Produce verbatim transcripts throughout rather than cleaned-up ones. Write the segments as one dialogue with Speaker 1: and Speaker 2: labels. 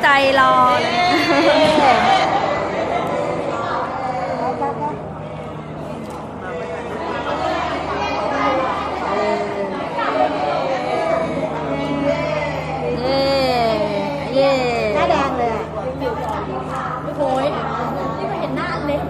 Speaker 1: ใจรอเลยเย่เย่หน้าแดงเลยอ่ะโอ้ยนี่ไม่เห็นหน้าเล็ก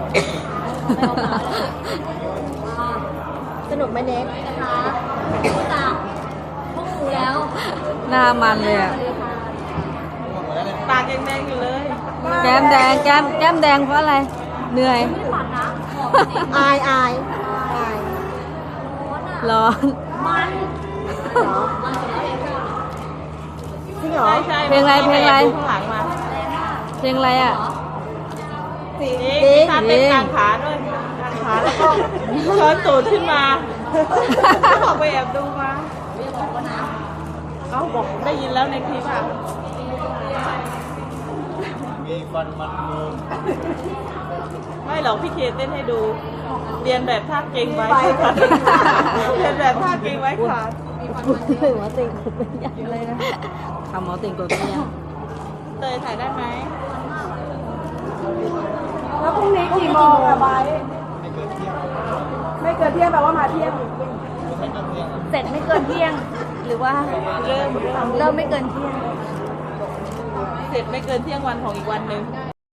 Speaker 1: สนุกไหมเน็กนะคะจากพวกหนูแล้วหน้ามันเลยอ่ะ
Speaker 2: ปากยังแดงอยู่เลย
Speaker 1: แก้มแดงแก้มแก้มแดงเพราะอะไรเหนื่อยอายอายอายร้อนมันเหรอจริงเหรอ
Speaker 2: ใช่
Speaker 1: เพลงอะไรเพลงอะไร
Speaker 2: ข้างหลังมา
Speaker 1: เพลงอะไรอ่ะ
Speaker 2: สีถ้าเป็นกลางขาด้วยกลางขาแล้วก็ช้อนตูดขึ้นมาบอกไปแอบดูมาเอ้าบอกได้ยินแล้วในคลิปอ่ะมีฟันมันมือไม่หรอกพี่เคเต้นให้ดูเรียนแบบท่าเก่งไว้ขาดเรียนแบบท่าเก่งไว้ขาด
Speaker 1: หมอติ่งกดไม่ยังอะไรนะทำหมอติ่งกดไม่ยัง
Speaker 2: เตยถ่ายได้ไหม
Speaker 3: แล้วพรุ่งนี้กี่โมงอะไบไม่เกินเที่ยงแปลว่ามาเที่ยง
Speaker 1: เสร็จไม่เกินเที่ยงหรือว่า
Speaker 2: เริ่ม
Speaker 1: เริ่มไม่เกินเที่ยง
Speaker 2: เสร็จไม่เกินเที่ยงวันของอีกวันหนึ่ง
Speaker 1: อ